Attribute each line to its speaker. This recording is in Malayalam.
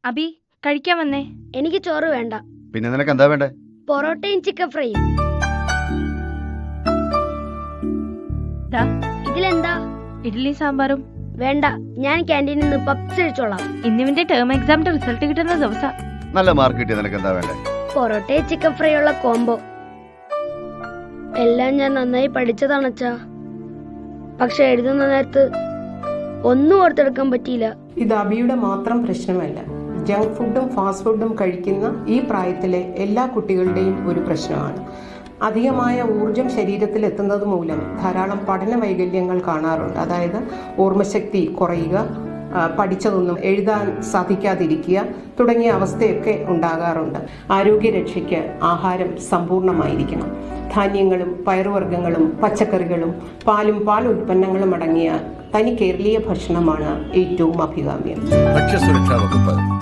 Speaker 1: അബി കഴിക്കാൻ വന്നേ.
Speaker 2: എനിക്ക് ചോറ് വേണ്ട.
Speaker 3: പിന്നെ നിനക്ക് എന്താ വേണ്ടേ?
Speaker 2: പൊറോട്ടയും ചിക്കൻ ഫ്രൈയും. ഇതിലെന്താ?
Speaker 1: ഇഡ്ഡലി സാമ്പാറും.
Speaker 2: വേണ്ട, ഞാൻ ക്യാൻറ്റീനിൽ നിന്ന് പപ്സ് കഴിച്ചോളാം.
Speaker 1: ഇന്നിവന്റെ ടേം എക്സാമിന്റെ റിസൾട്ട് കിട്ടുന്ന ദിവസം.
Speaker 3: നല്ല മാർക്ക് കിട്ടിയ നിനക്ക് എന്താ വേണ്ടേ?
Speaker 2: പൊറോട്ടയും ചിക്കൻ ഫ്രൈ ഉള്ള കോംബോ. എല്ലാം ഞാൻ നന്നായി പഠിച്ചതാണച്ചാ, പക്ഷെ എഴുതുന്ന നേരത്ത് ഒന്നും ഓർത്തെടുക്കാൻ പറ്റിയില്ല.
Speaker 4: ഇത് അബിയുടെ മാത്രം പ്രശ്നമല്ല. ജങ്ക് ഫുഡും ഫാസ്റ്റ് ഫുഡും കഴിക്കുന്ന ഈ പ്രായത്തിലെ എല്ലാ കുട്ടികളുടെയും ഒരു പ്രശ്നമാണ്. അധികമായ ഊർജം ശരീരത്തിൽ എത്തുന്നത് മൂലം ധാരാളം പഠന വൈകല്യങ്ങൾ കാണാറുണ്ട്. അതായത് ഓർമ്മശക്തി കുറയുക, പഠിച്ചതൊന്നും എഴുതാൻ സാധിക്കാതിരിക്കുക തുടങ്ങിയ അവസ്ഥയൊക്കെ ഉണ്ടാകാറുണ്ട്. ആരോഗ്യരക്ഷയ്ക്ക് ആഹാരം സമ്പൂർണ്ണമായിരിക്കണം. ധാന്യങ്ങളും പയറുവർഗ്ഗങ്ങളും പച്ചക്കറികളും പാലും പാൽ ഉൽപ്പന്നങ്ങളും അടങ്ങിയ തനി കേരളീയ ഭക്ഷണമാണ് ഏറ്റവും അഭികാമ്യം.
Speaker 5: ഭക്ഷ്യസുരക്ഷാ വകുപ്പ്